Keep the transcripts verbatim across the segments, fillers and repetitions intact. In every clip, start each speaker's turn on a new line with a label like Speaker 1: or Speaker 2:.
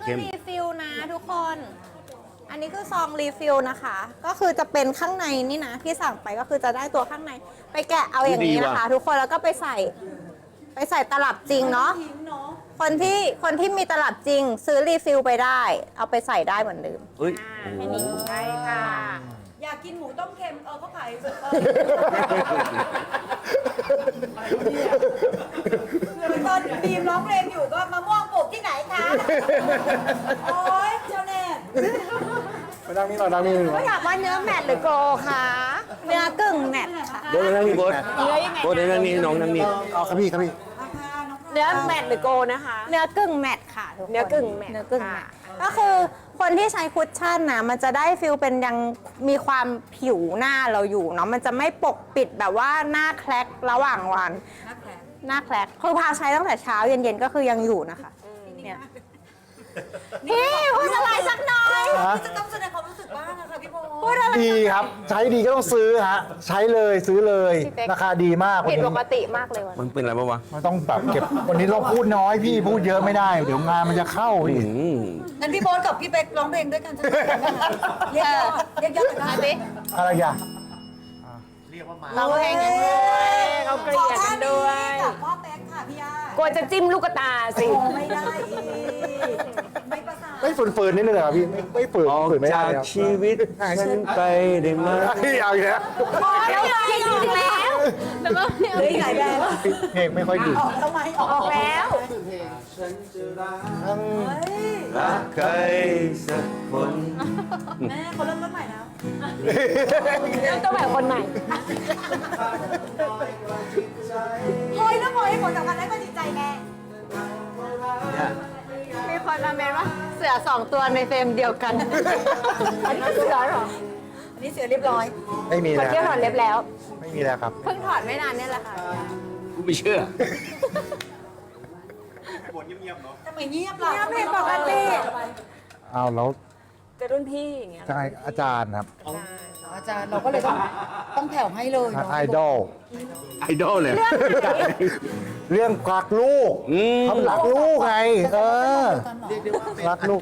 Speaker 1: คือรีฟิลนะทุกคน อันนี้คือซองรีฟิลนะคะ ก็คือจะเป็นข้างในนี่นะที่สั่งไปก็คือจะได้ตัวข้างในไปแกะเอาอย่างนี้นะคะ ทุกคนแล้วก็ไปใส่ไปใส่ตลับจริงเนาะคนที่คนที่มีตลับจริงซื้อรีฟิลไปได้ เอาไปใส่ได้เหมือนเดิม
Speaker 2: เฮ้ย
Speaker 1: แค่นี้ใช่ค่ะ
Speaker 3: อยากกินหมูต้มเค็มเออเขาขายตอนบีมร้องเพลงอยู่ก็มะม่วงปลูกที่ไหนคะโอ้ยเจ้าแน่
Speaker 4: มาดังนี้หน่อยดังนี้หน่
Speaker 1: ก็
Speaker 4: อย
Speaker 1: อยากว่าเนื้อแมทหรือโกคะเนื้อกึ่งแมทค่ะ
Speaker 2: โบ๊ทนั่งนี่โบ๊ท
Speaker 1: เนื้อยังไง
Speaker 2: โบ๊ทนั่งนี่น้องนั่งนี่
Speaker 4: เอาครับพี่ครับพี่
Speaker 5: เนื้อแมทหรือโกนะคะ
Speaker 1: เนื้อกึ่งแมทค่ะทุกคน
Speaker 5: เนื้อกึ่งแมท
Speaker 1: เนื้อกึ่งแมท
Speaker 5: ค่ะ
Speaker 1: ก็คือคนที่ใช้คุชชั่นนะมันจะได้ฟิลเป็นยังมีความผิวหน้าเราอยู่เนาะมันจะไม่ปกปิดแบบว่าหน้าแคลกระหว่างวัน
Speaker 3: นักแผล
Speaker 1: หน้าแคลกคือพาใช้ตั้งแต่เช้าเย็นๆก็คือยังอยู่นะคะเนี่ยพี่พูดอะไรสักหน่อย
Speaker 4: ฮะ
Speaker 3: จะต้องแสดงความรู้สึกบ้างอะค่ะพี่โบ
Speaker 1: พูดอะไร
Speaker 4: ดีครับ ใช้ดีก็ต้องซื้อฮะ ใช้เลยซื้อเลย
Speaker 1: พี่เป๊ก
Speaker 4: ราคาดีมากวัน
Speaker 1: ผิด
Speaker 4: นี้
Speaker 1: ปกติมากเลยวัน
Speaker 2: มันเป็นอะไรบ้างวะ
Speaker 4: มันต้องแบบเก็บ วันนี้เราพูดน้อยพี่พูดเยอะไม่ได้ เดี๋ยวงานมันจะเข้าพี่
Speaker 2: อืม
Speaker 3: งั้นพี่โบ๊ทกับพี่เป๊กร้องเพลงด้วยกันสักเพลงได้ไหมเรียกยอดเรียกยอดกันได้
Speaker 4: อะไรอย่าง
Speaker 1: เราเพลงกันด้วย
Speaker 5: เขาเกลียดกันด้วย
Speaker 3: กับพ่อเป๊กค่ะพี่ย่าก
Speaker 5: ลัวจะจิ้มลูกตาสิ
Speaker 3: โอ้ไม่ได้อีกไม่ประสาน
Speaker 4: ไม่ฝืนๆนิดนึงเหรอพี่ไม่ไม่ฝืน
Speaker 2: ออก
Speaker 4: ฝืนไม่ได้
Speaker 2: จาก
Speaker 4: เลยครับ
Speaker 2: ชีวิตฉันไปได้ไหม
Speaker 4: พี่เอาอีกแล้ว
Speaker 1: พอแล้วไปอีกแล้วแล้วก็
Speaker 3: เหลืออีกหลายแบรนด์
Speaker 4: เพลงไม่ค่อยดี
Speaker 3: ออกทำไมออก
Speaker 1: ออกแล้ว
Speaker 3: เฮ้ย
Speaker 2: รักใครสักคน
Speaker 3: แม่เขาเริ่มต้นใหม่แล้ว
Speaker 5: เริ่มต้นแบบคนใหม่
Speaker 3: เฮ้ยแล้วพอให้ผลสำคัญได้ก็ดีใจแน่
Speaker 2: เนี่ย
Speaker 1: มีคนมาเมนว่าเสือสองตัวในเฟรมเดียวกัน
Speaker 5: อันนี้คือเสือเหรอ
Speaker 3: อันนี้เสือเรียบร้อย
Speaker 4: ไม่มี
Speaker 5: ค
Speaker 4: แล้
Speaker 5: น
Speaker 4: ว
Speaker 5: เที่ยวถอดเล็บแล้ว
Speaker 4: ไม่มีแล้วครับ
Speaker 1: เพิ่งถอดไม่นานเนี่ยแหละค่ะ
Speaker 2: กูไม่เชื่อ
Speaker 3: ทำไมเงียบล่ะ
Speaker 1: เงียบผิดปกติ
Speaker 4: เอาแล้ว
Speaker 5: จะรุ่นพี่อย่างเงี้ย
Speaker 4: ใช่อาจารย์ครับ
Speaker 3: อาจารย์เราก็เลยต้องต้องแผ่วให้เลยเนาะ
Speaker 4: ไอดอล
Speaker 2: ไอดอลเลย
Speaker 4: เรื่องรักลูก
Speaker 2: อืม
Speaker 4: เขารักลูกไง เออ
Speaker 3: เรียกได้ว่า
Speaker 4: รักลูก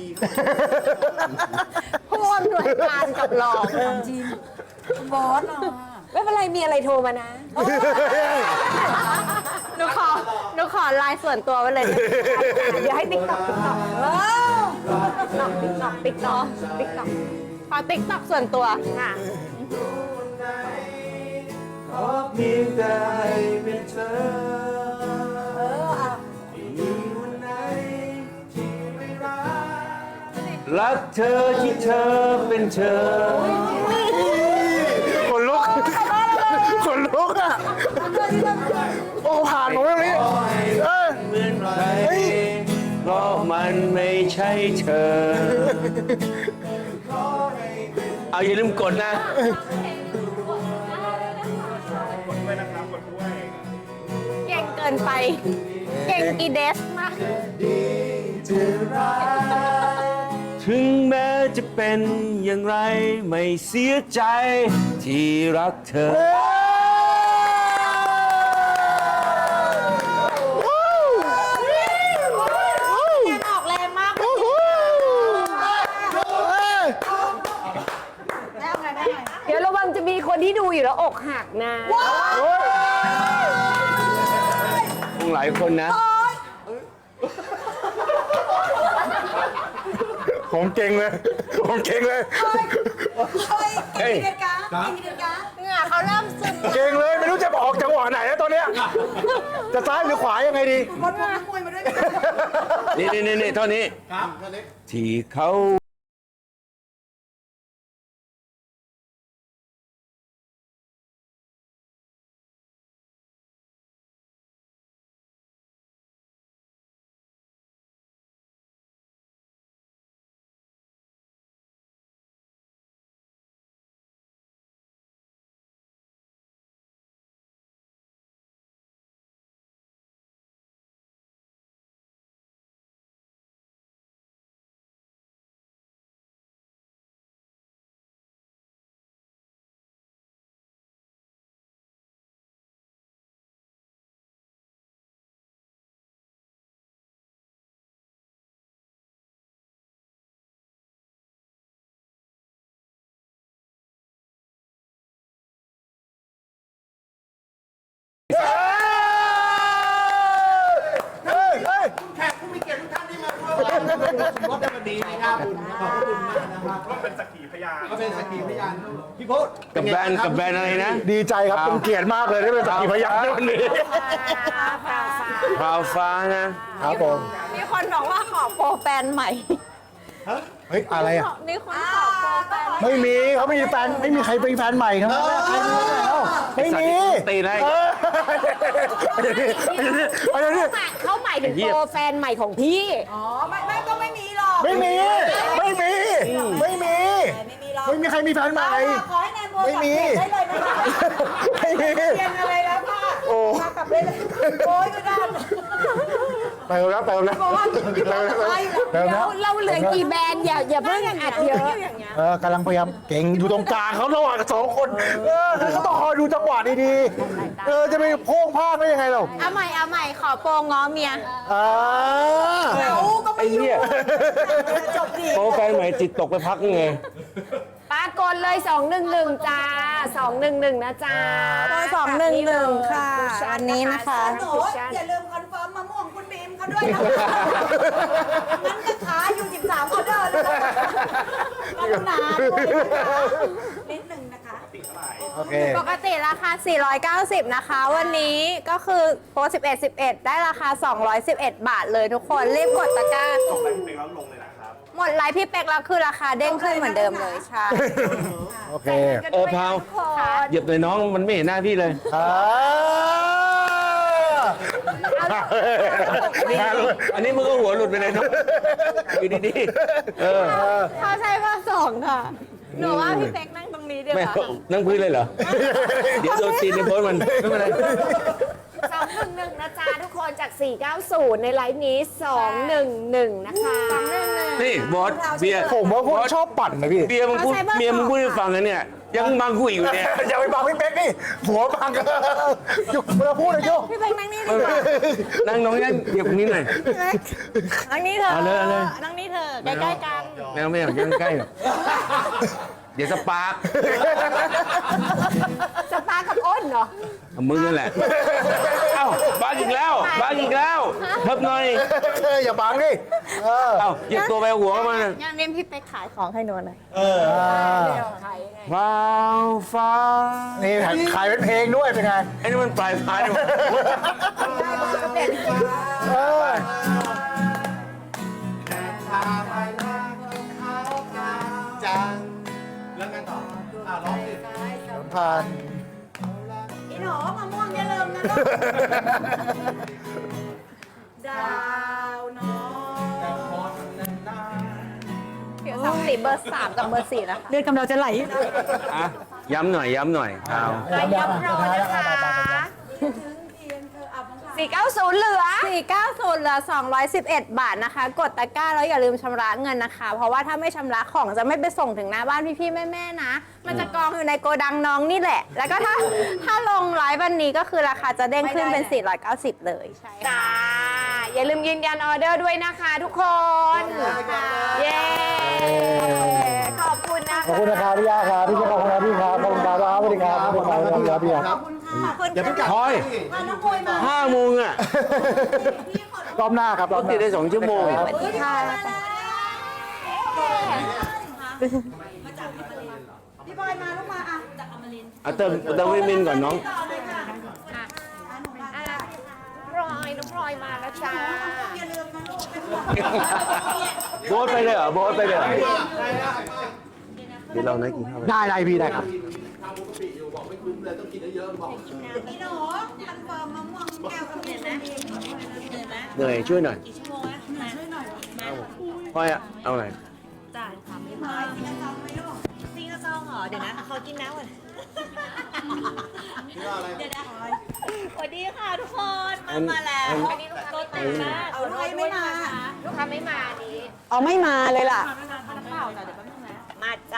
Speaker 1: ผู้อำนวยการกับรอง
Speaker 3: จริงคุณบอสเราอะ
Speaker 5: ไม่เป็นไรมีอะไรโทรมานะ
Speaker 1: หนูขอหนูขอไลน์ส่วนตัวไว้เลย
Speaker 5: เดี๋ยวให้ติ๊กต็อกติ๊กต็อก
Speaker 3: ว้าว
Speaker 5: ติ๊กต็อกติ๊กต็อกติ๊กต็อก
Speaker 1: ขอติ๊กต็อกส่วนตัว
Speaker 5: ค่ะ
Speaker 2: ขอเพียงแต่ให้เป็นเธอ
Speaker 3: เอออ่ะ
Speaker 2: มีวันไหนที่ไม่รักรักเธอที่เธอเป็นเธอ
Speaker 4: คนลุก คนลุกอ่ะ โอ้ผ่านผมตรงนี้เออ
Speaker 2: เหมือนใครเพราะมันไม่ใช่เธอ เอาอย่าลืมกดนะ
Speaker 1: เก่งเกินไป เก่งอีเดสมาก
Speaker 2: ถึงแม้จะเป็นอย่างไรไม่เสียใจที่รักเธอ
Speaker 1: ยังออกแรงมาก
Speaker 3: แม่เอาไงแม่เอาไง
Speaker 5: เดี๋ยวระวังจะมีคนที่ดูอยู่แล้วอกหักนะ
Speaker 2: คงหลายคนนะ
Speaker 4: ผมเก่งเลย ผมเก่งเลย
Speaker 3: เฮ้ยกินเดือนกากินเดือนกา
Speaker 1: เหงื่อเขาเริ่มซึม
Speaker 4: เก่งเลย ไม่รู้จะออกจังหวะไหนแล้วตอนเนี้ย จะซ้ายหรือขวายังไงดี
Speaker 3: บอลพวกนักมวยมาด้วยกัน
Speaker 2: นี่นี่นี่เท่านี้ ที่เขา
Speaker 6: รถในวันนี้นะครับขอบคุณมากนะครับก็เป็นสักขีพยานก็เป็นสักขีพยานพี่โพส
Speaker 2: กับแบรนด์กับแบรนด์อะไรนะ
Speaker 4: ดีใจครับเป็นเกียรติมากเลยที่เป็นสักขีพยานในวันนี้
Speaker 2: พราวฟ้านะครับ
Speaker 4: ผม
Speaker 1: มีคนบอกว่าขอโปรแฟนใหม่
Speaker 4: เฮ้ยอะไรอ่ะ
Speaker 1: มีคนขอโปรแฟน
Speaker 4: ไม่มีเขาไม่มีแฟนไม่มีใครเป็นแฟนใหม่ทั้งนั้นใครมีแล้วไม่มี
Speaker 2: ตีได้
Speaker 4: เออเดี๋ยวนี้เดี๋ยวนี้เดี๋ยวนี้
Speaker 5: เขาหมายถึงโปรแฟนใหม่ของพี่
Speaker 3: อ๋อไม่ไม่ก็ไม่มีหรอก
Speaker 4: ไม่มี ไม่มี ไม่มี
Speaker 3: ไม่มีหรอก
Speaker 4: ไม่มีใครมีแฟนใหม่
Speaker 3: ขอให้แนนโบ
Speaker 4: ไม่มี
Speaker 3: ได้เลยนะคะ
Speaker 4: ไม่มี
Speaker 3: เรียนอะไรแล้วค่ะ
Speaker 4: โอ้
Speaker 3: มากลับได้เลยโอ้ยก็ได้
Speaker 4: ไปแล้วไปแล้ว
Speaker 3: บอกว่าพี่บอลจะไปแล้ว
Speaker 4: แล้ว
Speaker 5: เราเราเหลือกี่แบรนด์อย่าอย่าเพิ่งอัดเยอะ
Speaker 4: เออกำลังพยายามเก่งอยู่ตรงกลางเขาระหว่างสองคนเออเขาต้องคอยดูจังหวะดีๆเออจะไปโพ่งพลาดได้ยังไงเรา
Speaker 1: เอาใหม่เอาใหม่ขอโปรง้อเมีย
Speaker 4: อ่า
Speaker 3: เขาก็
Speaker 2: ไอ้
Speaker 3: ไม่อยู่
Speaker 2: เหี้ย
Speaker 3: จบดี
Speaker 2: โปรแฟนใหม่จิตตกไปพักยังไง
Speaker 5: ปรากฏเลยสองหนึ่งหนึ่งจ้าสองหนึ่งหนึ่งนะจ้า
Speaker 1: โปรสองหนึ่งหนึ่งค่ะอันนี้นะคะ
Speaker 3: หนูอย่าลืมคอนเฟิร์มมะม่วงคุณบีมเขาด้วยนะคะงั้นก็ขายอยู่สิบสามออเดอร์เลยนะคะกรุณาด้วยนะคะนิดหนึ่งนะคะ
Speaker 4: โอเค
Speaker 1: ปกติราคา สี่ร้อยเก้าสิบ นะคะ วันนี้ก็คือโปรสิบเอ็ด สิบเอ็ด ได้ราคา สองร้อยสิบเอ็ด บาทเลยทุกคน รีบกดตะกร้า หมดไลฟ์พี่เป็กแล้วคือราคาเด้งขึ้นเหมือนเดิมเลยใช่
Speaker 4: โอเค
Speaker 2: เออพราวเหยียบเลยน้องมันไม่เห็นหน้าพี่เลย
Speaker 4: อ่า
Speaker 2: อันนี้อันนี้มึงก็หัวหลุดไปเลยเนาะอยู่ดีๆเออ
Speaker 1: เขาใช้เบอร์สองค่ะ หนูว่าพี่เป็กนั่งตรงนี้ดีก
Speaker 2: ไม่
Speaker 1: ว่า
Speaker 2: นั่งพื้นเลยเหรอ เดี๋ยวโดนตีนในโพสต์มันไม่เป็นไร
Speaker 5: สองหนึ่งหนึ่งนะจ๊ะทุกคนจากสี่เก้าศูนย์ในไลฟ์นี้สองหนึ่งหนึ่งนะคะ
Speaker 2: นี่บอสเบียร์
Speaker 4: ผมว่าพวกชอบปั่นนะพี่
Speaker 2: เบียร์มึงพูดเมียมึงพูดให้ฟังนะเนี่ย ยังบังกูอีกอยู่เนี่ย
Speaker 4: อย่าไปบังพี่เป๊กนี่หัวบังกันยุกเวลาพูดเลยโยก
Speaker 1: พี่เป็กนั่งนี่ดีกว่า
Speaker 2: นั่งน้องนั่งเหยียบตรงนี้หน่อย
Speaker 1: นั่งนี่เถอะ
Speaker 2: เอาเลยเอาเลย
Speaker 1: นั่งนี่เถอะใกล้ๆกัน
Speaker 2: แมวไม่อยากยังใกล้หรอกเดี๋ยวสปาร์ค
Speaker 5: สปากับอ้นเหรอ
Speaker 2: เอามึงนั่นแหละ เอ้าบังอีกแล้วบังอีกแล้วเทิบหน่อย
Speaker 4: อย่าบังดิเออ
Speaker 2: เอ้าเหยียบตัวไปหัวเข้ามาเนี่ย
Speaker 1: ยังเน้นพี่เป็กขายของให้หนูหน่อย
Speaker 2: ว้าวฟ้า
Speaker 4: นี่ขายเป็นเพลงด้วยเป็นไง
Speaker 2: ไอ้นี่มันปลายฟ้าเนี่ย
Speaker 4: เออผ่าน
Speaker 3: อีหนูมะม่วงอย่าลืมนะลูกดาวน้อง
Speaker 1: ผิวสองสีเบอร์สามกับเบอร์สี่นะคะ
Speaker 3: เลือดกำเราจะไหล
Speaker 2: อ่ะย้ำหน่อยย้ำหน่อยเอา
Speaker 5: ไปย้ำรอนะคะสี่เก้าศูนย์เหลือ
Speaker 1: สี่เก้าศูนย์เหลือสองร้อยสิบเอ็ด บาทนะคะ กดตะกร้าแล้วอย่าลืมชำระเงินนะคะ เพราะว่าถ้าไม่ชำระของจะไม่ไปส่งถึงหน้าบ้านพี่ๆแม่ๆนะ มันจะกองอยู่ในโกดังน้องนี่แหละ แล้วก็ถ้าถ้าลงไลฟ์วันนี้ก็คือราคาจะเด้งขึ้นเป็น สี่ร้อยเก้าสิบ เลยใช่
Speaker 5: จ้า อย่าลืมยืนยันออเดอร์ด้วยนะคะทุกคน เย้ ขอบคุณนะ
Speaker 4: ขอบคุณนะครับพี่ยาครับพี่เจ้าของร้านพี่ครับขอบคุณครับสวัสดีครับขอบคุณครับพี่ครับ
Speaker 3: ขอบคุณ
Speaker 6: อย่าเพิ่งกลับ
Speaker 2: คอย
Speaker 3: พาน้องโวยมา
Speaker 2: ห้าโมงอ่ะ
Speaker 4: รอบหน้าครับร
Speaker 2: ร
Speaker 4: อบ
Speaker 2: ถ
Speaker 4: ห
Speaker 2: ติ
Speaker 4: น้า
Speaker 2: ดได้สองชั่วโมง
Speaker 1: สวัสดีค่ะ
Speaker 3: พี่บอยมาลูกมาอ่ะจากอมรินทร์
Speaker 2: เอาเติมเติมวิตามินก่อนน้อง
Speaker 3: ต่อเลยค่ะ
Speaker 5: พลอยน้องพลอยมาแล้วจ้า
Speaker 3: อย่าลืมนะลูกเป็นห่วง
Speaker 2: โบ๊ทไปเลยเหรอโบ๊ทไปเลยเหรอเดี๋ยวเรานะกินข้าวไป
Speaker 4: ได้ได้พี่ได้ครับ
Speaker 3: พี่หนูคอนเฟิร์มมะม่วงแก้วกับเมียนะ
Speaker 2: เหนื่อยช่วยหน่อยพ่อยอะเอาไหน
Speaker 3: มาสิกระซองไหมลูก
Speaker 7: ซิงกระซองเหรอ เดี๋ยวนะเขากินน้ำก่อนเดี๋ยวนะสวัสดีค่ะทุกคน มามาแล้ว
Speaker 5: อันนี้ลูกค้าไม่มา
Speaker 3: เอาลูกไม่มา
Speaker 5: ลูกค้าไม่มานี้
Speaker 1: เอาไม่มาเลยล่ะ
Speaker 7: มาจ้ะ